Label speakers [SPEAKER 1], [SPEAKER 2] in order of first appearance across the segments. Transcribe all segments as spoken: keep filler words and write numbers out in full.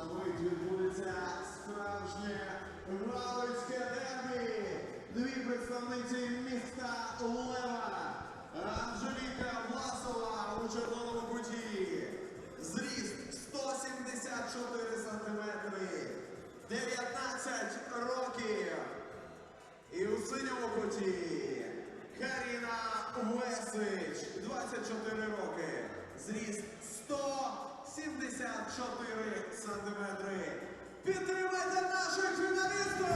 [SPEAKER 1] мить відбудеться справжнє галицьке дербі. Дві представниці міста Лева. Анжеліка Власова у червоному куті. Зріст сто сімдесят чотири сантиметри. дев'ятнадцять років. І у синьому куті Каріна Весич, двадцять чотири роки. Зріст сто сімдесят чотири сантиметри. Підтримайте наших фіналістів!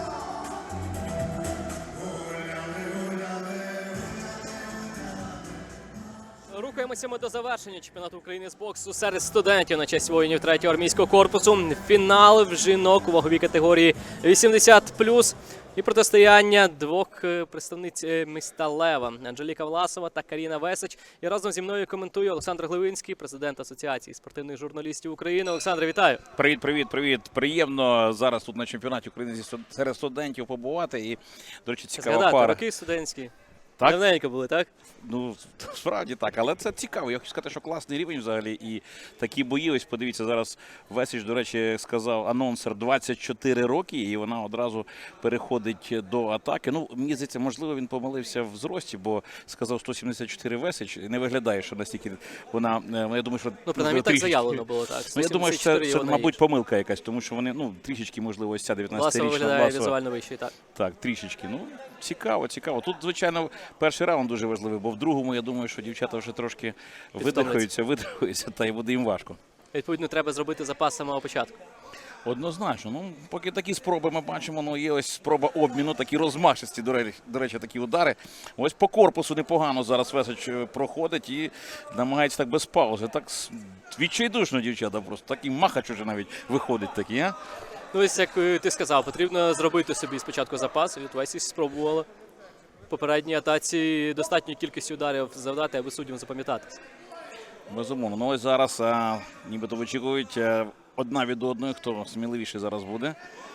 [SPEAKER 2] Рухаємося ми до завершення чемпіонату України з боксу серед студентів на честь воїнів третього армійського корпусу. Фінал в жінок у ваговій категорії вісімдесят плюс. І протистояння двох представниць міста Лева – Анжеліка Власова та Каріна Весич. І разом зі мною коментує Олександр Гливинський, президент Асоціації спортивних журналістів України. Олександр, вітаю!
[SPEAKER 3] Привіт, привіт, привіт. Приємно зараз тут на чемпіонаті України серед студентів побувати. І, до речі, цікава
[SPEAKER 2] Згадати,
[SPEAKER 3] пара.
[SPEAKER 2] роки студентські.
[SPEAKER 3] Так?
[SPEAKER 2] Давненько були, так?
[SPEAKER 3] Ну, справді так, але це цікаво. Я хочу сказати, що класний рівень взагалі. І такі бої, ось подивіться, зараз Весич, до речі, сказав анонсер, двадцять чотири роки, і вона одразу переходить до атаки. Ну, мені здається, можливо, він помилився в зрості, бо сказав сто сімдесят чотири Весич. Не виглядає, що настільки вона, я думаю, що...
[SPEAKER 2] Ну, принаймні так
[SPEAKER 3] трішечки...
[SPEAKER 2] заявлено було, так.
[SPEAKER 3] Ну, я думаю, що це, це мабуть, помилка якась, тому що вони, ну, трішечки, можливо, ось ця дев'ятнадцятирічна
[SPEAKER 2] Власова виглядає
[SPEAKER 3] Власова.
[SPEAKER 2] візуально вищий, так.
[SPEAKER 3] Так, трішечки. Ну, цікаво, цікаво. Тут, звичайно, перший раунд дуже важливий, бо в другому, я думаю, що дівчата вже трошки видихаються, видихаються, та й буде їм важко.
[SPEAKER 2] Відповідно, треба зробити запас з самого початку.
[SPEAKER 3] Однозначно. Ну, поки такі спроби ми бачимо, ну, є ось спроба обміну, такі розмашисті, до речі, до речі, такі удари. Ось по корпусу непогано зараз Весич проходить і намагається так без паузи. Так відчайдушно, дівчата, просто такий махач уже навіть виходить такий, а?
[SPEAKER 2] Ну, ось як ти сказав, потрібно зробити собі спочатку запас. Від Весич спробувала в попередній атаці достатньої кількості ударів завдати, аби суддям запам'ятатися.
[SPEAKER 3] Безумовно. Ну ось зараз а, нібито вичікують а, одна від одної, хто сміливіший зараз буде.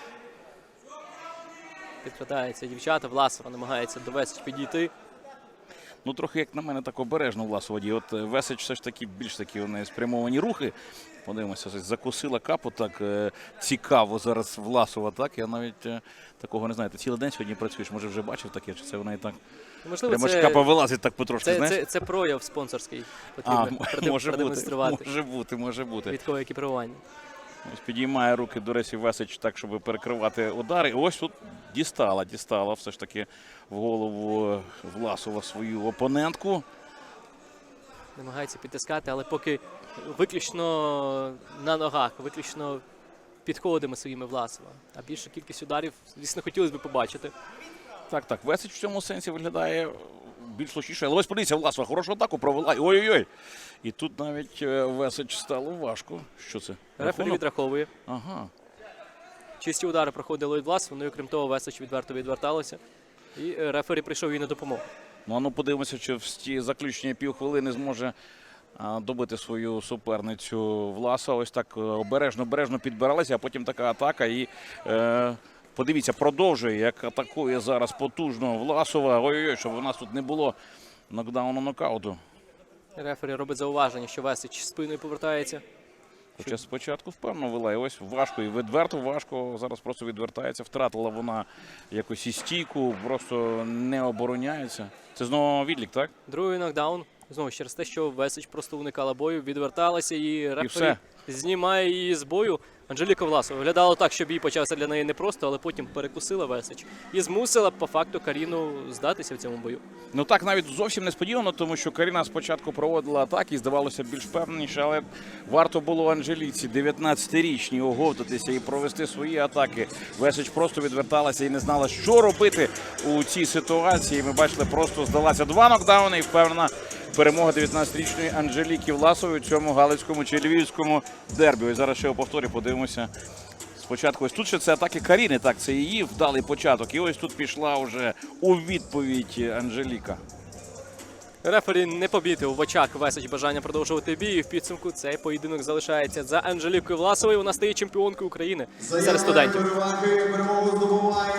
[SPEAKER 2] Підкрадається дівчата, Власова намагається до Весич підійти.
[SPEAKER 3] Ну, трохи, як на мене, так обережно Власова діє. От Весич все ж таки більш такі вони спрямовані рухи. Подивимося, закусила капу так е, цікаво зараз Власова. Так, я навіть е, такого не знаю. Ти цілий день сьогодні працюєш, може вже бачив таке, чи це вона і так.
[SPEAKER 2] Можливо,
[SPEAKER 3] прямо
[SPEAKER 2] це,
[SPEAKER 3] ж капа вилазить так потрошки,
[SPEAKER 2] це,
[SPEAKER 3] знаєш?
[SPEAKER 2] це, це прояв спонсорський.
[SPEAKER 3] А,
[SPEAKER 2] Потрібно
[SPEAKER 3] може
[SPEAKER 2] продемонструвати.
[SPEAKER 3] бути, може бути, може бути.
[SPEAKER 2] Військове екіпірування.
[SPEAKER 3] Ось підіймає руки, до речі, Весич так, щоб перекривати удари. І ось тут дістала, дістала все ж таки в голову Власова свою опонентку.
[SPEAKER 2] Намагається підтискати, але поки виключно на ногах, виключно підходами своїми Власова. А більшу кількість ударів, звісно, хотілося б побачити.
[SPEAKER 3] Так, так, Весич в цьому сенсі виглядає більш лучніше. Але ось подивіться, Власова хорошу атаку провела. Ой-ой-ой. І тут навіть Весич стало важко. Що це?
[SPEAKER 2] Рефері відраховує.
[SPEAKER 3] Ага.
[SPEAKER 2] Чисті удари проходили від Власова, ну і окрім того, Весич відверто відверталося. І рефері прийшов їй на допомогу.
[SPEAKER 3] Ну, а ну подивимося, чи в ті заключні півхвилини зможе а, добити свою суперницю Власова. Ось так обережно-обережно підбиралася, а потім така атака. І е, подивіться, продовжує, як атакує зараз потужно Власова. Ой-ой-ой, щоб у нас тут не було нокдауну, нокауту.
[SPEAKER 2] Рефері робить зауваження, що Весич спиною повертається.
[SPEAKER 3] Хоча спочатку впевнено вела, і ось важко, і відверто важко, зараз просто відвертається. Втратила вона якось і стійку, просто не обороняється. Це знову відлік, так?
[SPEAKER 2] Другий нокдаун. Знову через те, що Весич просто уникала бою, відверталася і рефері знімає її з бою. Анжеліка Власова виглядало так, щоб їй почався для неї непросто, але потім перекусила Весич і змусила по факту Каріну здатися в цьому бою.
[SPEAKER 3] Ну так навіть зовсім несподівано, тому що Каріна спочатку проводила атаки і здавалося більш впевненіше, але варто було Анжеліці дев'ятнадцятирічній оговтатися і провести свої атаки. Весич просто відверталася і не знала, що робити у цій ситуації. Ми бачили, просто здалася два нокдауни і впевнена перемога дев'ятнадцятирічної Анжеліки Власової у цьому галицькому чи львівському дербі. Ось зараз ще у повторі подивимося. Спочатку ось тут ще це атаки Каріни, так, це її вдалий початок. І ось тут пішла вже у відповідь Анжеліка.
[SPEAKER 2] Рефері не помітив в очах Весич бажання продовжувати бій. І в підсумку цей поєдинок залишається за Анжелікою Власовою. Вона стає чемпіонкою України серед студентів.
[SPEAKER 1] Переваги перемогу здобуває